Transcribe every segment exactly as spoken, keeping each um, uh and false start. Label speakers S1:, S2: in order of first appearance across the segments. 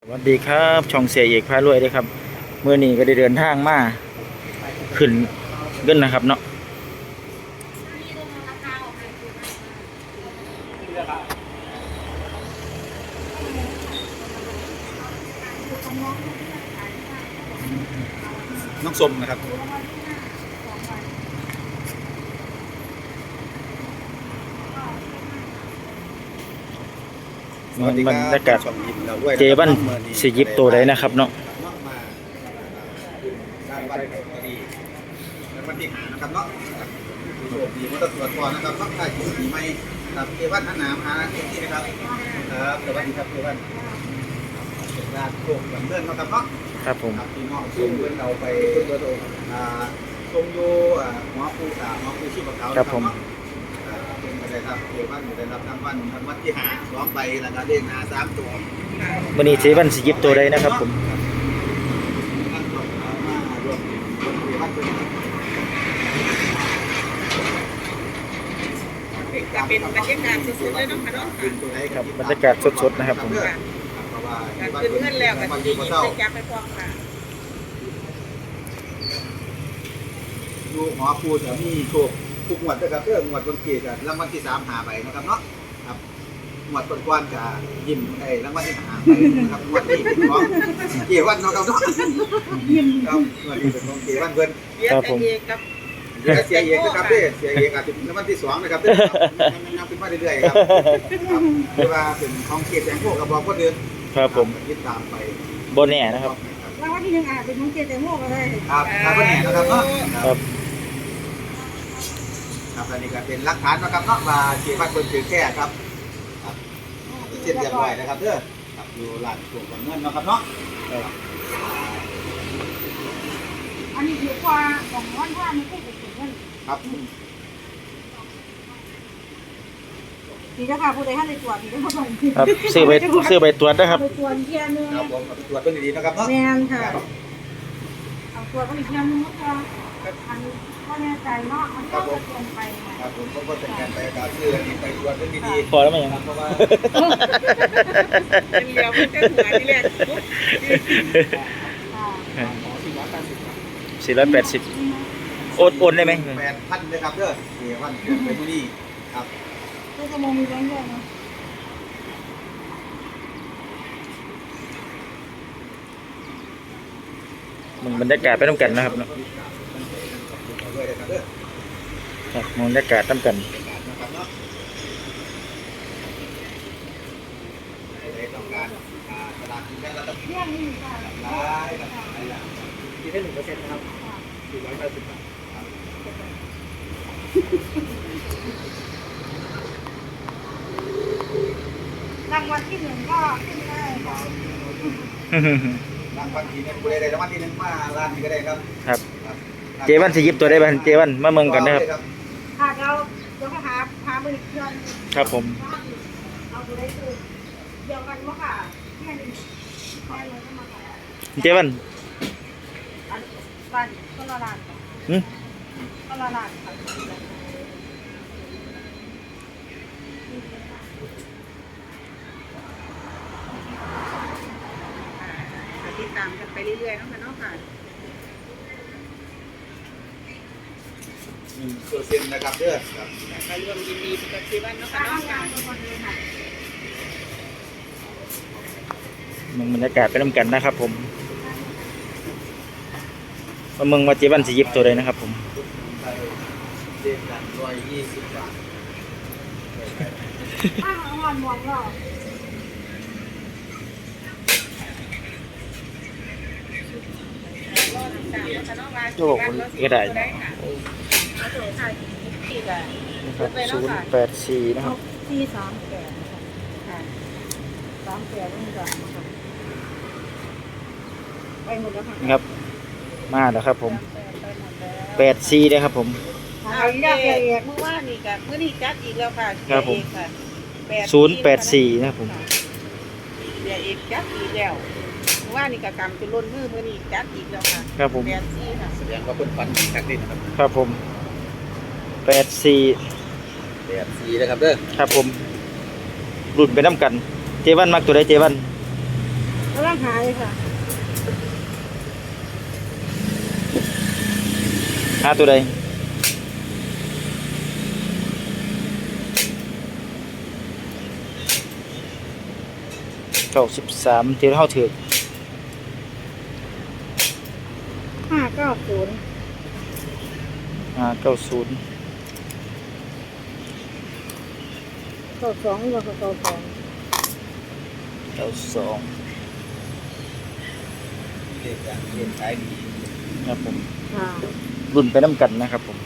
S1: สวัสดีครับช่องเสียเอกพารวยด้วยครับเมื่อนี้ก็ได้เดินทางมาขึ้นเงินนะครับเนาะ
S2: น้องสมนะครับ
S1: มันบรรยากาศเจบันสิยิบตัวใดนะครับเนาะ
S2: วันที่หานะครับเนาะโชคดีมาตรวจก่อนนะครับต้องได้ถูกดีไหมครับเจวันท่านน้ำหาที่นี่นะครับครับสวัสดีครับเจวันเป็นราชโชคดำเนินนะครับเนาะ
S1: ครับผม
S2: พี่น้องส่งเงินเราไปตัวโตส่งโยหัวปูสาหัวปูชีพเขาครับผมเป็นอะไรครับเจวันได้รับรางวัลรางวัลที่หาสองใบแล้วก็เลขหน้าสามตัว
S1: วันนี้เจบันสิยิบตัวใดนะครับผม
S3: จะเป็นบรรยากาศสดๆเลยเนาะค่ะเนาะ
S1: ครับบรรยากาศสดๆนะครับผม
S3: การคืนเงินแล้วกันดีๆไปจับไปพร้อมค่ะ
S2: ดูหมอปูจะมีโชคทุกงวดนะครับเพื่องวดคนเกียรติรางวัลที่สามหาไปนะครับเนาะครับงวดก้อนๆจะยิ้มไอ้รางวัลที่หาไปนะครับงวดนี้เป็นของเกียรติวันเนาะครับเนาะยิ้มครับงวดนี้เป็นของเกียรติวันเพิ่น
S1: ครับผม
S2: เสียเอกนะครับเด้เสียเอกอาจจะเป็นรางวัลที่สองนะครับเด้มันนับขึ้นมาเรื่อยๆครับคือว่าเป็นของเกียรติแสงโพกกับบอกคนอื่น
S1: ครับผม
S2: ยึดตามไป
S1: โบแน่นะครับ
S3: รางวัลที่หนึ่งอาจเป็นของเกียรติแสงโพกก็ได้
S2: ครับครับโบแน่นะครับเนาะครับครับอันนี้ก็เป็นหลักฐานนะครับเนาะว่าเกียรติวัดคนถือแค่ครับครับเช่นเรียบร้อยนะครับเด้อครับอยู่หลานส่วนเงินนะครับเนาะ
S3: อันนี้ถือว่าของวันว่าไม่ใช่เป็นเงิน
S2: ครับ
S3: ดีจ้าค่ะผู้ใดท่านในตรวจดีจ้าค่ะ
S1: ครับซื้อไปซื้อไปตรวจนะครับ
S3: ไปตรวจเทียนนึง
S2: ครับผมตรวจเป็นดีๆนะครับเนาะ
S3: แม่นค่ะเอาตรวจก็อีกเทียนนึงก็อันก็แน่ใจเนาะมันก็จะเปลี่ยนไป
S2: ครับผมก็จะการไปการซื้ออันนี้ไปตรวจเป็นดี
S1: ๆพอแล้วมั้ยยัง
S2: เพราะว่า
S3: เป็นเลี้ยวเป็นหัวที่แรก
S1: สี่ร้อยแปดสิบโอนโอนได้ไหม
S2: แปดพันเลยครับเด้อเดี๋ยววันเป็นที่นี่ครับ
S3: ก็จะมองมีแบงค์ด้วยนะ
S1: มึงบรรยากาศไปน้ำกันนะครับเนาะครับบรรยากาศน้ำกัน
S2: คิดได้หนึ่งเปอร์เซ็นต์นะครับสี่ร้อยแปดสิบบาท
S3: รางวัลที่หนึ่งก็ขึ้นได้
S2: รางวัลที่หนึ่งกูได้รางวัลที่หนึ่งมาล้านนี้ก็ได้ครับ
S1: ครับเจวันสิยิบตัวได้บ้างเจวันมาเมืองกันนะครับ
S3: ค่ะเราเดี๋ยวหาหาบริษัท
S1: ครับผม
S3: เอาตัวได้คือเดียวกันมั้งค่ะแค่นี้แค่เลยก็มา
S1: เจวัน
S3: บ้านก็ละลาน
S1: อืม
S3: ก็ละลานค่ะติดตามกันไปเรื่อยๆนะคะเนาะค่ะ
S2: หนึ่งเปอร์เซ็นต์นะครับเด้อครับ
S3: ไปรวมยินดีกับที่บ้านเนาะค่ะน้องค่ะ
S1: มึงบรรยากาศไปน้ำกันนะครับผมมาเมืองมาเจวันสิยิบตัวใดนะครับผม
S2: เจ็ดพันร้อยยี่สิบบาท
S3: อ้าวหอนหมอนหรอ
S1: โอ้โหก็ได้ศูนย์แปดสี่นะครับ
S3: สี่สามแปดค่ะสามแปดนี่ก่อนนะคะไปหมดแล้วค่ะ
S1: ครับมาแล้วครับผมแปดสี่นะครับผม
S3: เอาอีกแล้วเอกเมื่อวานนี่กับเมื่อนี้จัดอีกแล้วค่ะ
S1: ครับผมศูนย์แปดสี่นะครับผม
S3: เดี๋ยวอีกจัดอีกแล้วเมื่อวานนี่กับกำจนล้นมือเมื่อนี้จัดอีกแล้วค่ะ
S1: ครับผม
S3: แปดสี่ค่ะ
S2: แสดงว่าเพิ่นฝันดีคักนี่นะครับ
S1: ครับผมแปดสี่
S2: แปดสี่นะครับเด้อ
S1: ครับผมรุ่นไปน้ำกันเจวันมักตัวใดเจวัน
S3: กำลังหาเลยค่ะ
S1: หาตัวใดเก้าสิบสามที่เท่าถือ
S3: ห้าเก้าศูนย์
S1: ห้าเก้าศูนย์
S3: เก้าสองหรือว่าเก้าสอง
S1: เก้าสอง
S2: เลขการเรียนขายดี
S1: ครับผม
S3: ค่ะ
S1: รุ่นไปน้ำกันนะครับผม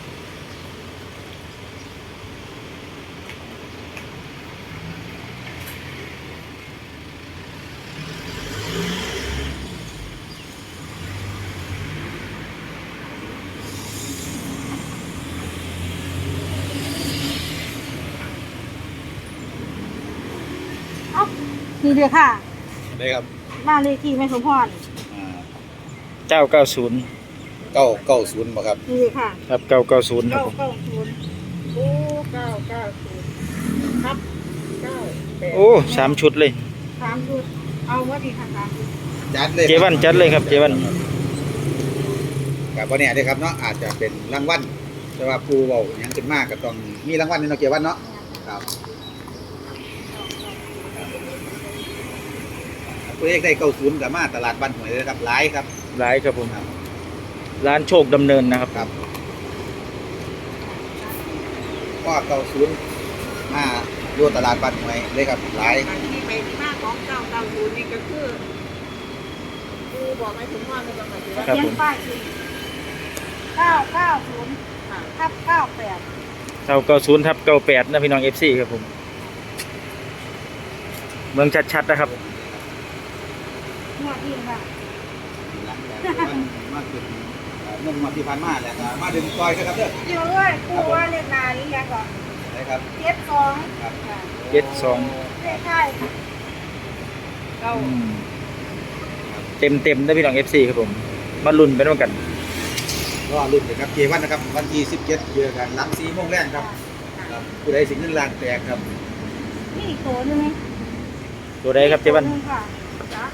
S3: เอ้านี่เดียวค่ะ
S2: ได้ครับ
S3: บ้านเลขที่แม่สมพร
S2: อ่า
S1: เก้าเก้าศูนย์
S2: เก้าเก้าศูนย์บ่ครับ
S3: นี่เลยค่ะ
S1: ครับเก้าเก้าศูนย์ครับ
S3: เก้า
S1: ผม
S3: เก้าศูนย์โอ้เก้าเก้าศูนย์ครับเก้าแปด
S1: โอ้สามชุดเลย
S3: สามชุดเอาว่าดีค่ะสามชุด
S2: จัดเลย
S1: เจวันจัดเลยครับเจวัน
S2: กับวันนี้ได้ครับเนาะอาจจะเป็นรางวัลแต่ว่าปูเบาหยังขึ้นมากก็ต้องมีรางวัลในเนาะเจวันเนาะครับตัวเลขได้เก้าศูนย์กับมาตลาดบ้านหวยเลยครับหลายครับ
S1: หลายครับผม
S2: ครับ
S1: ร้านโชคดำเนินนะครับ
S2: ครับก็เก้าศูนย์มาดูตลาดบ้านหวยเลยครับหลาย
S3: ที่ไปที่มาของเก้าเก้าศูนย์นี่ก็คือคือบอกไม่ถึงว่าในจังหวัดเขียนป้ายคือเก้าเก้าศูนย์ทับเก้าแปด
S1: เก้าเก้าศูนย์ทับเก้าแปดนะพี่น้องเอฟซีครับผมเมืองชัดๆนะครับ
S3: งวดที่ค่ะ
S2: หลังจากที่มาถึงเมื่อวันที่ผ่านมาแล้วก็มาดึงซอยครับเด้อ
S3: เดี๋ยวด้วยครูว่าเรียกนานนี้ยังก่อน
S2: นะครับ
S3: เจ็ดสอง
S2: ครับ
S1: เจ็ดสอง
S3: เลขใช่เก้า
S1: เต็มเต็มๆนะพี่น้องเอฟซีครับผมมาลุ้นไปด้วยกัน
S2: ก็รุ่นนะครับเจวันนะครับวันที่สิบเจ็ดเจอกันหลังสี่โมงแรกครับครับผู้ใดสิงเงินล้านแตกครับ
S3: นี่อีกตัวหนึง
S1: ตัวใดครับเจวัน
S3: ตัวหงค่ะจ้ะ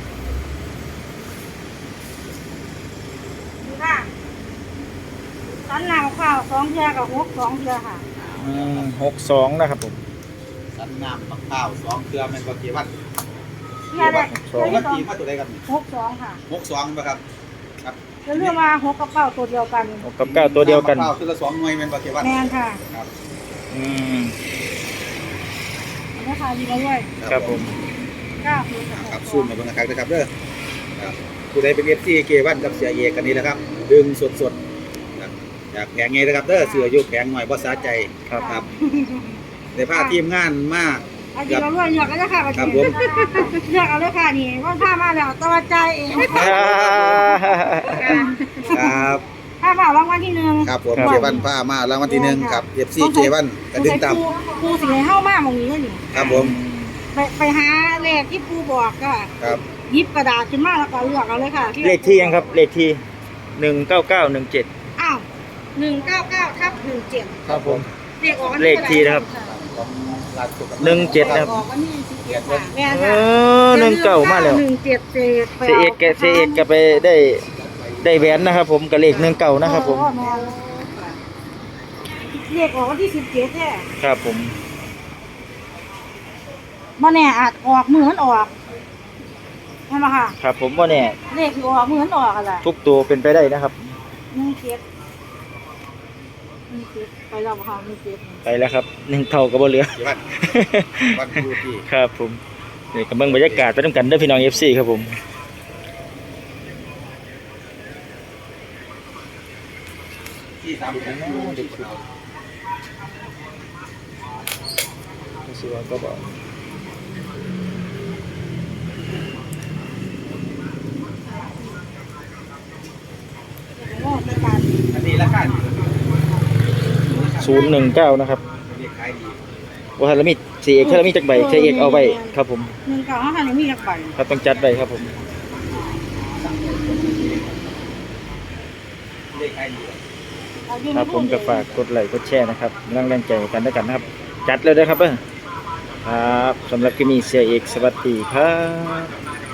S3: ดูค่ะสันหนาวข้าวสองเทือกับหกสองเทือค่ะ
S1: หกสองนะครับผม
S2: สันน้ำมะพร้าวสองเครือแม่นก็เจวัน
S3: เทือแรก
S1: สอง
S3: เทือ
S2: วัน
S3: ที่สอง
S2: ที่มาตัวใดครับ
S3: หกสองค่ะ
S2: หกสองนะครับครับ
S3: จะเรียกว่าหกกระเป๋าตัวเดียวกัน
S1: หกกับเก้าตัวเดียวกัน
S2: มะพร้าวตัวละสองหน่วยแม่นก็เจวัน
S3: แมนค่ะ
S2: ครับ
S1: อืม
S3: อันนี้ค่ะดีแล้วด้วย
S1: ครับผม
S3: เก้าศูนย์กับห
S2: ครับ
S3: กส
S2: ซู
S3: อ
S2: ม
S3: ง
S2: มาเบิ่งนะครับนะครับเด้อครับผู้ใดเป็น เอฟ ซี เจวันกับเสียเอกกันนี้นะครับดึงสดๆครับจากแผงไงนะครับเด้อเสืออยู่แผงหน่อยบ่สาใจ
S1: ครับ
S2: ครับได้พาทีมงานมาก
S3: เอาดีแล้วด้วยอยากก็จะค่ะ
S2: ครับผม
S3: อยากเอาเลยค่ะนี่ว่าผ้ามาแล้วตะวันใจเอง
S2: ครับ
S3: ผ้ามารางวัลที่หนึ่ง
S2: ครับผม
S1: ครับ
S2: เจวันพามารางวัลที่หนึ่งครับ เอฟ ซี เจวันกระดึงตาม
S3: ปูสิให้เข้ามากมองนี้ก็อยู่
S2: ครับผม
S3: ไปไปหาเลขที่ปูบอกก็
S2: ครับ
S3: หยิบกระดาษขึ้นมาแล้วก็เลือกเอาเลยค่ะ
S1: เลขที่ยังครับ เลขที่หนึ่งเก้าเก้าหนึ่งเจ็ด
S3: อ้าวหนึ่งเก้าเก้าทับหนึ่งเจ็ด
S1: ครับผม
S3: เลขออกวัน
S1: เลขที่นะครับ
S2: ของร้านสุข
S1: หนึ่งเจ็ดนะครับ
S3: ออกวันที่สิบเจ็ดค่ะแม่
S1: เอ
S3: ค่ะ
S1: อหนึ่งเก้ามาแล้ว
S3: หนึ่งเจ็ดเศษ
S1: เสียเอกแกเสียเอกก็ไปได้ได้แหวนนะครับ ผมกับเลขหนึ่งเก้านะครับผม
S3: เออแม่เลขออกวันที่สิบเจ็ดแท้
S1: ครับผม
S3: มาแน่อาจออกเหมือนออกใช่ไหมค่ะ
S1: ครับผมว่าเนี่ย
S3: เลขที่ออกเหมือนออกอะไร
S1: ทุกตัวเป็นไปได้นะครับ
S3: หนึ่งเจ็ดหนึ่งเจ็ดไปแล้วค่ะหนึ่งเจ็ด
S1: ไปแล้วครับหนึ่งเท่ากับบ่เหลือ
S2: เจวันวันครูที่
S1: ครับผมนี่กำลังบรรยากาศไปด้วยกันเด้อพี่น้องเอฟซีครับผม
S2: ที่สามสิบเด็กเรา
S1: สิว่าก็บอก
S3: โอ้เป็นการ
S2: อันนี้ราคาดี
S1: ศูนย์หนึ่งเก้านะครับ
S2: เรียกขายดี
S1: ว่าถ้าเรามีเสียเอกถ้าเรามีจักใบเสียเอกเอาไว้ครับผม
S3: หนึ่งเก้าห้าพันมีจักใบ
S1: ครับต้องจัดไว้ครับผม
S2: เรียกขายดี
S1: ครับผมก็ฝากกดไลค์กดแชร์นะครับกำลังแรงใจกันด้วยกันนะครับ จัดเลยนะครับเด้อครับสำหรับกิมีเสียเอกสวัสดีครับ